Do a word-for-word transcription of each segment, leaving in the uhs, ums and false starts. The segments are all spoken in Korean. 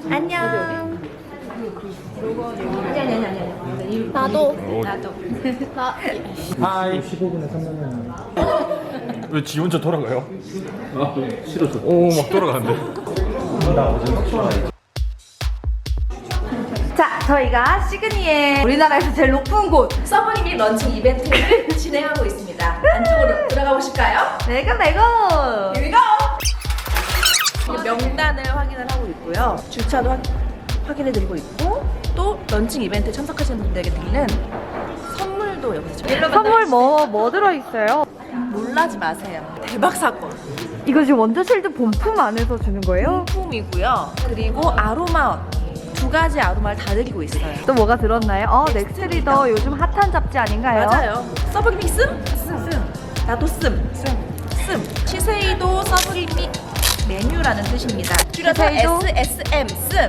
안녕. 아니 아니 아니 아니. 나도. 나도. 나. 하이. 십오 분에 삼만 원. 왜 지 혼자 돌아가요? 아, 싫어서. 오, 막 돌아가는데. 나 어제 확실하게. 자, 저희가 시그니의 우리나라에서 제일 높은 곳 서브리미 런칭 이벤트를 진행하고 있습니다. 안쪽으로 들어가 보실까요? 내가 내가 Here we go! 명단을 확인을 하고 있고요. 주차도 확, 확인해드리고 있고 또 런칭 이벤트에 참석하시는 분들에게 드리는 선물도 여기서 지금 선물 뭐, 뭐 들어있어요? 놀라지 마세요. 대박 사건. 이거 지금 원더실드 본품 안에서 주는 거예요? 품이고요. 그리고 아로마 두 가지 아로마를 다 드리고 있어요. 또 뭐가 들었나요? 어, 넥스트리더 요즘 핫한 잡지 아닌가요? 맞아요. 서브리미 씀? 씀. 나도 씀. 씀. 씀. 시세이도 서브리미 메뉴라는 뜻입니다. 줄여서 시세이도? 에스에스엠 씀.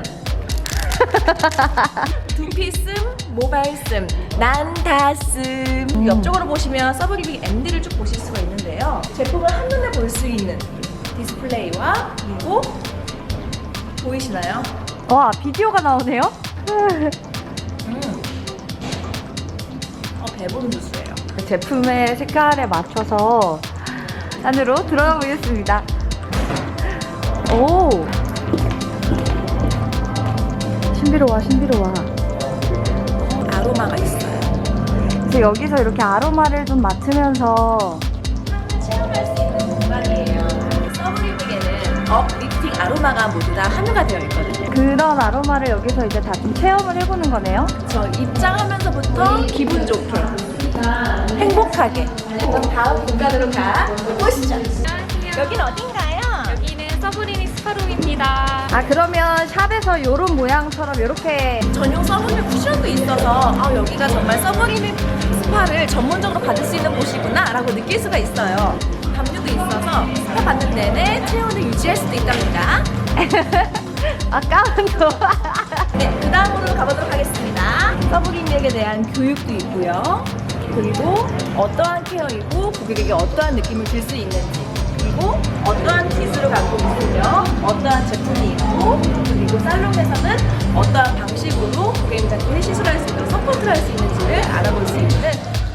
두피 씀, 모바일 씀, 난 다 씀. 음. 옆쪽으로 보시면 서브리미 엠디를 쭉 보실 수가 있는데요. 제품을 한눈에 볼 수 있는 디스플레이와 그리고 보이시나요? 와, 비디오가 나오네요? 음. 어, 배부른 주스예요. 제품의 색깔에 맞춰서 안으로 들어가 보겠습니다. 오! 신비로워, 신비로워. 아로마가 있어요. 그래서 여기서 이렇게 아로마를 좀 맡으면서 체험할 수 있는 공간이에요. 서브리믹에는 업, 리프팅, 아로마가 모두 다 함유가 되어 있거든요. 그런 아로마를 여기서 이제 다 좀 체험을 해보는 거네요. 저 입장하면서부터 기분 좋게, 행복하게. 그럼 다음 공간으로 가 보시죠. 여기는 어딘가요? 여기는 서브리미 스파룸입니다. 아, 그러면 샵에서 이런 모양처럼 이렇게 전용 서브리믹 쿠션도 있어서 아, 여기가 정말 서브리믹 스파를 전문적으로 받을 수 있는 곳이구나 라고 느낄 수가 있어요. 담요도 있어서 스파 받는 내내 체온을 유지할 수도 있답니다. 아, 까만도 네, 그 다음으로 가보도록 하겠습니다. 서브리미에 대한 교육도 있고요. 그리고 어떠한 케어이고 고객에게 어떠한 느낌을 줄 수 있는지, 그리고 어떠한 기술을 갖고 있으며 어떠한 제품이 있고, 그리고 살롱에서는 어떠한 방식으로 고객님한테 시술할 수 있도록 서포트를 할 수 있는지를 알아볼 수 있는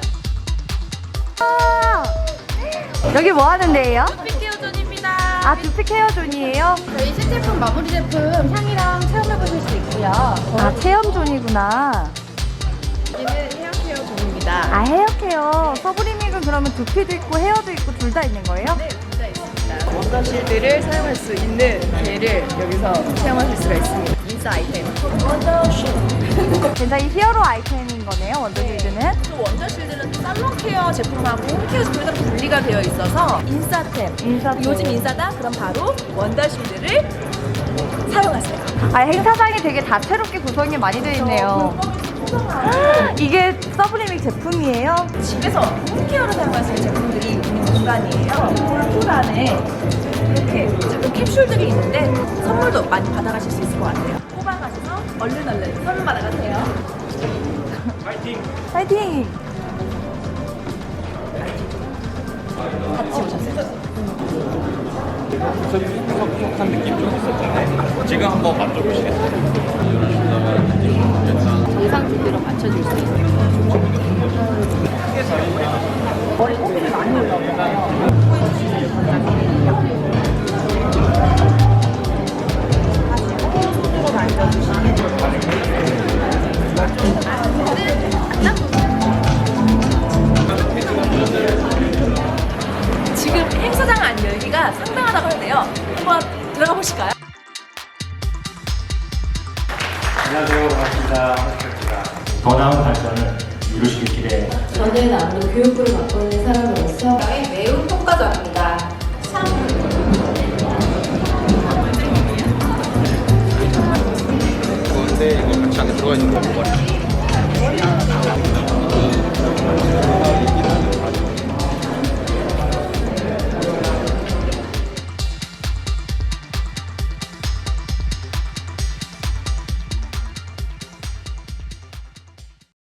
아, 여기 뭐 하는 데예요? 피케어존입니다. 아, 두피 케어존이에요? 저희 신제품 마무리 제품 향이랑 체험해보실 수 있고요. 아, 체험존이구나. 여기는 헤어케어존입니다. 아, 헤어케어. 서브리믹은 그러면 두피도 있고 헤어도 있고 둘 다 있는 거예요? 네, 둘 다 있습니다. 원더실드를 사용할 수 있는 기회를 여기서 체험하실 수가 있습니다. 인싸 아이템. 원더실드. 굉장히 히어로 아이템인 거네요, 원더실드는. 또 원더실드는 또 살롱 케어 제품하고 홈케어 제품이 분리가 되어 있어서 인싸템. 인싸템. 요즘 인싸다? 그럼 바로 원더실드를 사용하세요. 아, 행사장이 되게 다채롭게 구성이 많이 되어 있네요. 이게 서브리믹 제품이에요? 집에서 홈케어로 사용할 수 있는 제품들이 있는 공간이에요. 홀풀 안에 이렇게 작은 캡슐들이 있는데 선물도 많이 받아가실 수 있을 것 같아요. 뽑아가셔서 얼른 얼른 선물 받아가세요. 파이팅! 같이 오셨어요. 촉촉한 느낌 좀 있었잖아요. 지금 한번 만져보시겠어요? 예상 주기로 맞춰줄 수 있어요. 머리 꼬리를 많이 올라오잖아요. 손으로 만져주시면 지금 행사장 안 열기가 상당하다고 하는데요. 한번 들어가 보실까요? 안녕하세요. 반갑습니다. 더 나은 발전을 이루시길 기대해. 저는 아무래도 교육부를 맡고 있는 사람으로서 나의